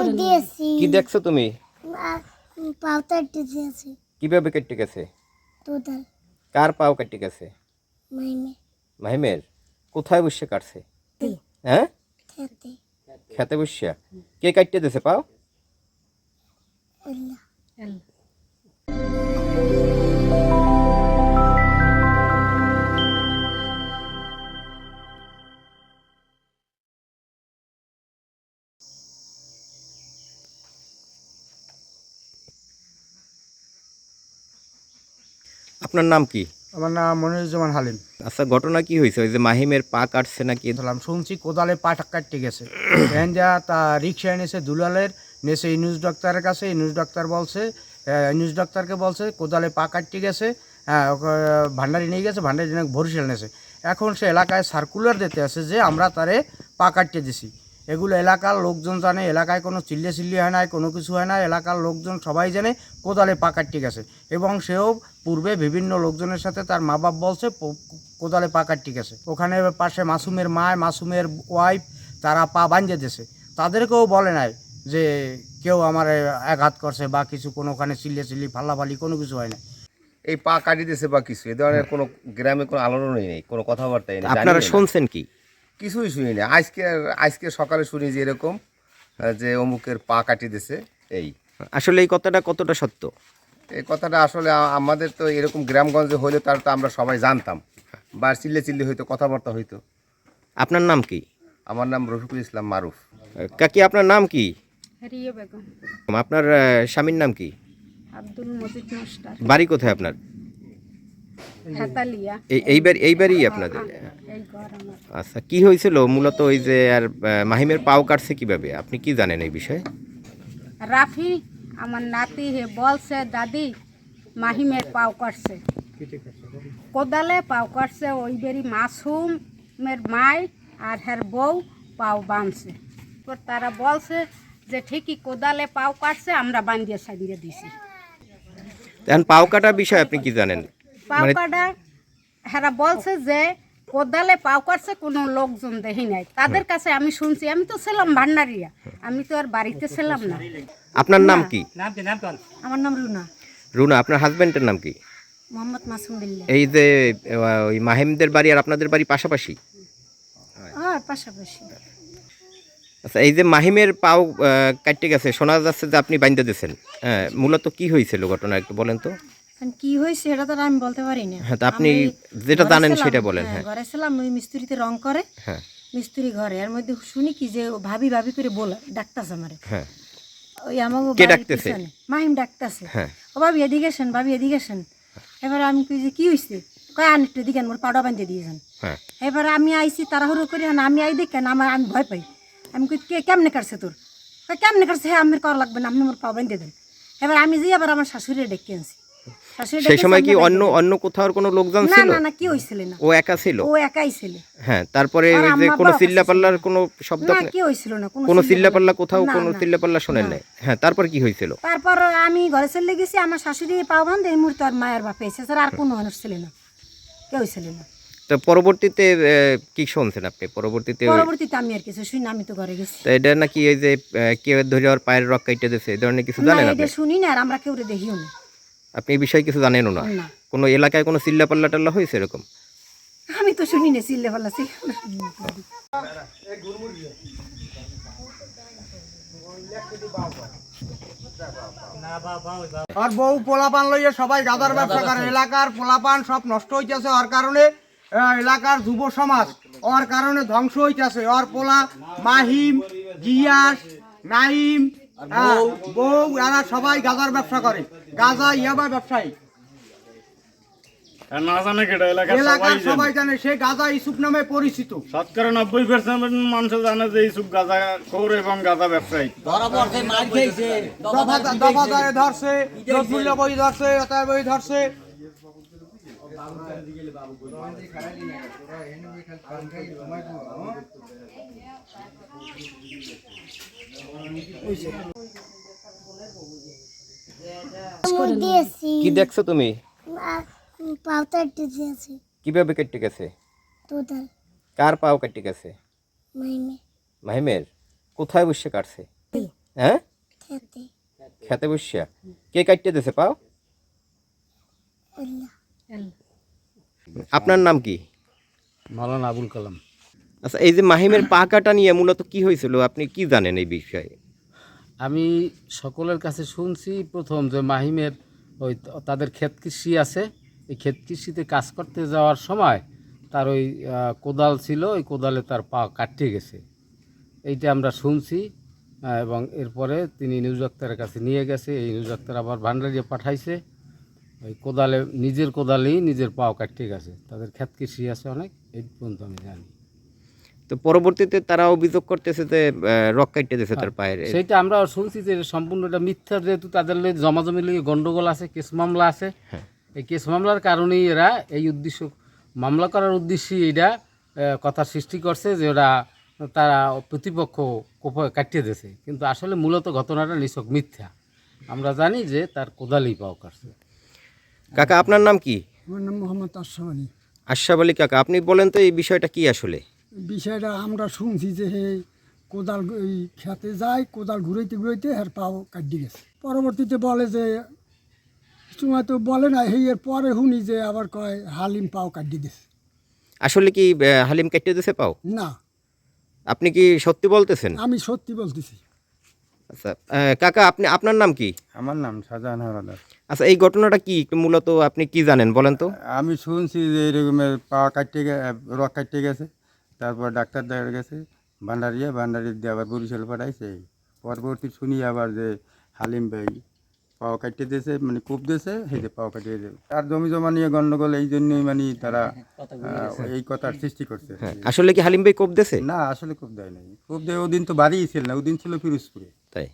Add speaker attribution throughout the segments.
Speaker 1: দিয়েছি
Speaker 2: কি দেখছো তুমি?
Speaker 1: পাউতা দিয়েছি
Speaker 2: কিভাবে কেটে গেছে?
Speaker 1: তোদাল
Speaker 2: কার পাও কেটে গেছে?
Speaker 1: মাইমে
Speaker 2: মাহিমের। কোথায় বসে কাটছে? হ্যাঁ,
Speaker 1: খেতে
Speaker 2: খেতে বসিয়া। কে কাটতে দিছে পাও?
Speaker 1: আল্লাহ
Speaker 2: আপনার নাম কি?
Speaker 3: আমার নাম মনিরুজ্জামান হালিম।
Speaker 2: আচ্ছা, ঘটনা কি হয়েছে? ওই যে মাহিমের পা কাটছে নাকি?
Speaker 3: বললাম শুনছি কোদালে পা কাটতে গেছে। এখন যা তা রিক্সা এনেছে দুলালের, নেছে ইনুস ডাক্তারের কাছে। ইনুস ডাক্তার বলছে, ইনুস ডাক্তারকে বলছে কোদালে পা কাটতে গেছে। হ্যাঁ, ভান্ডারি নিয়ে গেছে, ভান্ডারি নিয়ে বরিশাল নেছে। এখন সে এলাকায় সার্কুলার দিতে আছে যে আমরা তারে পা কাটতে দিছি। এগুলো এলাকার লোকজন জানে, এলাকায় কোনো চিল্লি হয় না, কোনো কিছু হয় না। এলাকার লোকজন সবাই জানে কোদালে পা কাটতে গেছে, এবং সেও পূর্বে বিভিন্ন লোকজনের সাথে তার মা বাপ বলছে কোদালে পা কাটতে গেছে। ওখানে পাশে মাসুমের মা, মাসুমের ওয়াইফ, তারা পা বাঁধে দিয়েছে। তাদেরকেও বলে নাই যে কেউ আমার আঘাত করছে বা কিছু, কোনো ওখানে চিল্লি ফাল্লাফালি কোনো কিছু হয় না।
Speaker 4: এই পা কাটি দিয়েছে বা কিছু এ ধরনের কোনো গ্রামে কোনো আলোড়নই নেই, কোনো কথাবার্তাই নেই।
Speaker 2: আপনারা শুনছেন কি?
Speaker 4: কিছুই শুনি না। আজকে সকালে শুনি যে এরকম যে অমুকের পা কাটি দিয়েছে। এই
Speaker 2: আসলে এই কথাটা কতটা সত্য?
Speaker 4: এই কথাটা আসলে আমাদের তো এরকম গ্রামগঞ্জে হইলে তার তো আমরা সবাই জানতাম, বা চিল্লি হইতো, কথাবার্তা হইতো।
Speaker 2: আপনার নাম কি?
Speaker 4: আমার নাম রফিকুল ইসলাম মারুফ।
Speaker 2: কাকি, আপনার নাম কি?
Speaker 5: রিয়া বেগম।
Speaker 2: আপনার স্বামীর নাম কি?
Speaker 5: আব্দুল মজিদ মাস্টার।
Speaker 2: বাড়ি কোথায় আপনার?
Speaker 5: হেতালিয়া।
Speaker 2: এইবারই আপনাদের?
Speaker 5: এই ঘর আমার।
Speaker 2: আচ্ছা, কি হয়েছিল মূলত? ওই যে আর মাহিমের পাও কাটছে কিভাবে, আপনি কি জানেন এই বিষয়ে?
Speaker 5: রাফি আমার নাতি হে বলছে দাদি মাহিমের পাও কাটছে, কোদালে পাও কাটছে। ওই বেরি মাসুমের মাই আর হের বউ পাও বাঁধছে। তারা বলছে যে ঠিকই কোদালে পাও কাটছে, আমরা বান্ধিয়ে সাজিয়ে দিছি।
Speaker 2: এখন পাও কাটার বিষয়ে আপনি কি জানেন?
Speaker 5: পাও কাটা হেরা বলছে যে কোদালে পাও কাটছে, কোনো লোকজন দেখি নাই। তাদের কাছে আমি শুনছি, আমি তো ছিলাম ভান্ডারিয়া, আমি তো আর বাড়িতে ছিলাম না।
Speaker 2: আপনার নাম কি?
Speaker 5: আমার নাম রুনা।
Speaker 2: রুনা। আপনার হাজবেন্ডের নাম কি?
Speaker 5: মোহাম্মদ মাসুম বিল্লাহ।
Speaker 2: এই যে ওই মাহিমদের বাড়ি আর আপনাদের বাড়ি পাশাপাশি?
Speaker 5: হ্যাঁ, পাশাপাশি।
Speaker 2: আচ্ছা, এই যে মাহিমের পাও কাটতে গেছে, শোনা যাচ্ছে যে আপনি বাইন্ধে দিয়েছেন। হ্যাঁ, মূলত কি হয়েছিল ঘটনা একটু বলেন তো।
Speaker 6: কি হয়েছে সেটা তো আমি বলতে পারি না।
Speaker 2: হ্যাঁ, তা আপনি যেটা জানেন সেটা বলেন। হ্যাঁ,
Speaker 6: ঘরে ছিলাম, ওই মিস্ত্রিতে রং করে।
Speaker 2: হ্যাঁ,
Speaker 6: মিস্ত্রি ঘরে, এর মধ্যে শুনি কি যে ভাবি ভাবি করে বলে ডাকতেছে আমারে।
Speaker 2: হ্যাঁ।
Speaker 6: ওই আমাকে
Speaker 2: কে ডাকতেছে?
Speaker 6: মাহিম ডাকতেছে।
Speaker 2: হ্যাঁ।
Speaker 6: ও ভাবি এদিকে আসেন, ভাবি এদিকে আসেন। এবারে আমি কই যে কি হয়েছে, কয় আন একটু এদিকে, মোর পাউডার বাঁধতে দিয়েছেন।
Speaker 2: হ্যাঁ।
Speaker 6: এবারে আমি আইছি তাড়াহুড়ো করি, আমি আই দেখেন আমি ভয় পাই। আমি কই কে কেমনে কাটছে তোর? কেমনে কাটছে? হ্যাঁ, আমি করা লাগবে না, আপনি মোর পাও বাঁধতে দেন। এবার আমি যে আবার আমার শাশুড়ি ডেকে আনছি।
Speaker 2: সেই সময় কি অন্য কোথাও কোনো লোকজন
Speaker 6: না
Speaker 2: ছিল?
Speaker 6: না না, কি হইছিল না,
Speaker 2: ও একা ছিল?
Speaker 6: ও একাই ছিল।
Speaker 2: হ্যাঁ, তারপরে
Speaker 6: আর
Speaker 2: ওই যে
Speaker 6: আম্মা
Speaker 2: কোনো
Speaker 6: বাবা
Speaker 2: চিল্লাপাল্লার কোনো শব্দ?
Speaker 6: না, কি হইছিল না,
Speaker 2: কোনো চিল্লাপাল্লা কোথাও
Speaker 6: না,
Speaker 2: কোনো
Speaker 6: না।
Speaker 2: চিল্লাপাল্লা শোনেন নাই? হ্যাঁ, তারপর কি হয়েছিল?
Speaker 6: তারপর আমি ঘরে চলে গেছি, আমার শাশুড়ি পাও বান্ধে এই মুহূর্তে আর মায়ের বাপে এসে, আর কোনো মানুষ ছিল না, কেউ ছিল না।
Speaker 2: তো পরবর্তীতে কি শুনছেন আপনি? পরবর্তীতে
Speaker 6: আমি আর কিছু শুনি না, আমি তো ঘরে গেছি।
Speaker 2: তো এটা নাকি এই যে কেউ ধরে আর পায়ের রক কাইটে দিয়েছে, এই ধরনের কিছু জানেন
Speaker 6: না,
Speaker 2: আপনি?
Speaker 6: এটা শুনি না, আর আমরা কেউ দেখিও না।
Speaker 2: আপনি এই বিষয়ে কিছু জানেনও না?
Speaker 6: না।
Speaker 2: কোনো এলাকায় কোনো চিল্লাপাল্লা টাল্লা হয়েছে এরকম?
Speaker 6: আমি তো শুনি না, চিল্লে পাল্লা ছিল না।
Speaker 3: আর বউ পোলাপান লইয়া সবাই গাদার ব্যবসা করে। এলাকার পোলাপান সব নষ্ট হইতেছে, ওর কারণে এলাকার যুব সমাজ ওর কারণে ধ্বংস হইতেছে। ওর পোলা মাহিম, গিয়াস, নাইম, বউ, এরা সবাই গাদার ব্যবসা করে। গাজা ইয়াবা ব্যবসায়ী,
Speaker 7: না জানে কেটা
Speaker 3: এলাকার সবাই জানে। সে গাজা ইসুফ নামে পরিচিত।
Speaker 7: শতকরা 90% মানুষ জানে যে ইসুফ গাঁজা খোর এবং গাঁজা ব্যবসায়ী।
Speaker 3: দফাদারে ধরছে, নজরুল্লাহ বই ধরছে, অতএব বই ধরছে।
Speaker 1: দিয়েছি
Speaker 2: কি দেখছো তুমি?
Speaker 1: পাউতা দিয়েছি
Speaker 2: কিভাবে কেটে গেছে?
Speaker 1: তোদাল
Speaker 2: কার পাও কেটে গেছে?
Speaker 1: মাইমে
Speaker 2: মাহিমের। কোথায় বসে কাটছে? হ্যাঁ
Speaker 1: খেতে
Speaker 2: খেতে বসিয়া কে কাটতে দিছে পাও?
Speaker 1: আল্লাহ
Speaker 2: আপনার নাম কি?
Speaker 3: মাওলানা আবুল কালাম।
Speaker 2: আচ্ছা, এই যে মাহিমের পা কাটা নিয়ে মূলত কি হয়েছিল, আপনি কি জানেন এই বিষয়ে?
Speaker 8: আমি সকলের কাছে শুনছি প্রথম যে মাহিমের ওই তাদের ক্ষেত কৃষি আছে, এই ক্ষেত কৃষিতে কাজ করতে যাওয়ার সময় তার ওই কোদাল ছিল, ওই কোদালে তার পা কাটতে গেছে, এইটা আমরা শুনছি। এবং এরপরে তিনি নিউজ ডাক্তারের কাছে নিয়ে গেছে, এই নিউজ ডাক্তার আবার ভান্ডারিয়া পাঠাইছে, ওই কোদালে নিজের কোদালেই নিজের পাও কাটতে গেছে। তাদের ক্ষেত কৃষি আছে অনেক, এই পর্যন্ত আমি জানি।
Speaker 2: তো পরবর্তীতে তারা অভিযোগ করতেছে যে রক কাটতে দিছে তার পায়ের।
Speaker 8: সেইটা আমরা শুনছি যে সম্পূর্ণ এটা মিথ্যা, যেহেতু তাদের জমাজমি লেগে গন্ডগোল আছে, কেস মামলা আছে। এই কেস মামলার কারণেই এরা এই উদ্দেশ্য, মামলা করার উদ্দেশ্যে এটা কথা সৃষ্টি করছে যে ওরা তারা প্রতিপক্ষ কাটিয়ে দিয়েছে, কিন্তু আসলে মূলত ঘটনাটা নিছক মিথ্যা। আমরা জানি যে তার কোদালেই পাও কাটছে।
Speaker 2: কাকা আপনার নাম কি?
Speaker 9: আমার নাম মোহাম্মদ আশরাফ আলী।
Speaker 2: আশরাফ আলী কাকা, আপনি বলেন তো এই বিষয়টা কি আসলে?
Speaker 9: বিষয়টা আমরা শুনছি যে হে কোদাল ওই খেতে যায়, কোদাল ঘুরাইতে ঘুরাইতে হের পাও কাটি গেছে। পরবর্তীতে বলে যে সময় তো বলে না, এর পরে শুনি যে আবার কয় হালিম পাও কাটি দিছে।
Speaker 2: আসলে কি হালিম কাটতে দিছে পাও?
Speaker 9: না,
Speaker 2: আপনি কি সত্যি বলতেছেন?
Speaker 9: আমি সত্যি বলতেছি।
Speaker 2: আচ্ছা কাকা, আপনার নাম কি?
Speaker 10: আমার নাম শাহজাহান হাওলাদার।
Speaker 2: আচ্ছা, এই ঘটনাটা কি একটু মূলত আপনি কি জানেন বলেন তো?
Speaker 10: আমি শুনছি যে এরকমের পা কাটতে রক কাটতে গেছে, তারপর ডাক্তার দেখা গেছে ভান্ডারিয়া দিয়ে আবার বরিশাল পাঠাইছে। পরবর্তী শুনি আবার যে হালিম ভাই পাও কাটতে দিয়েছে, মানে কূপ দিয়েছে, সেই যে পাও কাটিয়ে দেবে। তার জমি জমা নিয়ে গন্ডগোল, এই জন্যই মানে তারা এই কথার সৃষ্টি করছে।
Speaker 2: আসলে কি হালিম ভাই কোপ দিয়েছে?
Speaker 10: না, আসলে কূপ দেয় নাই। কূপ দেয় ওদিন তো বাড়িই ছিল না, ওদিন ছিল পিরোজপুরে।
Speaker 2: তাই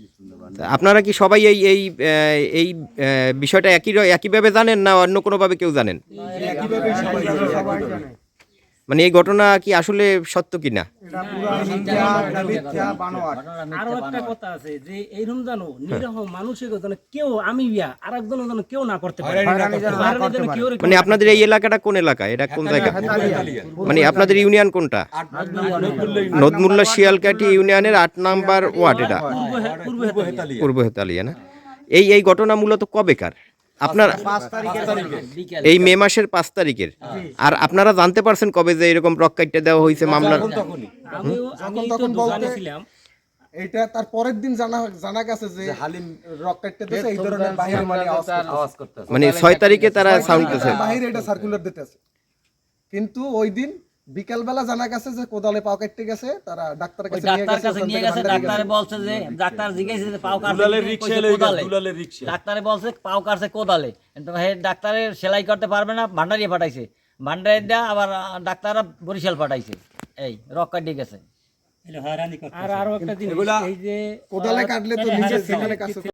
Speaker 2: আপনারা কি সবাই এই এই এই বিষয়টা একইভাবে জানেন না অন্য কোনোভাবে কেউ জানেন? মানে এই ঘটনা কি আসলে সত্য কিনা?
Speaker 11: আরো একটা কথা আছে যে এইরকম জানো নিরহ মানুষের যেন কেউ আমি আর একজন যেন কেউ না করতে পারে।
Speaker 2: মানে আপনাদের এই এলাকাটা কোন এলাকা, এটা কোন জায়গা, মানে আপনাদের ইউনিয়ন কোনটা? নদমুল্লা শিয়ালকাঠি ইউনিয়নের 8 নম্বর ওয়ার্ড, এটা পূর্ব হেতালিয়া না? এই ঘটনা মূলত কবেকার? আপনার এই মে মাসের 5 তারিখের। আর আপনারা জানতে পারছেন কবে যে এরকম রক কাটতে দেওয়া হয়েছে মামলার?
Speaker 11: তখন বলতেছিলাম
Speaker 12: এটা তার পরের দিন জানা গেছে যে হালিম রক কাটতে দিতেছে, এই ধরনের বাহিরে মানে আওয়াজ করতেছে,
Speaker 2: মানে 6 তারিখে তারা সাউন্ড দিতেছে,
Speaker 12: বাহিরে এটা সার্কুলার দিতেছে। কিন্তু ওই দিন বিকালবেলা জানা গেছে যে কোদালে পাও কাটতে গেছে, তারা ডাক্তারের কাছে নিয়ে গেছে।
Speaker 11: ডাক্তারে বলছে যে ডাক্তার জিজ্ঞাসা যে পাও কাটছে কোদালে, ডাক্তারে বলছে পাও কাটছে কোদালে, কিন্তু ডাক্তারের সেলাই করতে পারবে না, ভান্ডারিয়া পাঠাইছে, ভান্ডারিয়া আবার ডাক্তাররা বরিশাল পাঠাইছে, এই রক কাটিয়ে গেছে। আর আরো একটা জিনিস, এই যে
Speaker 12: কোদালে কাটলে তো নিজে সেখানে কাছে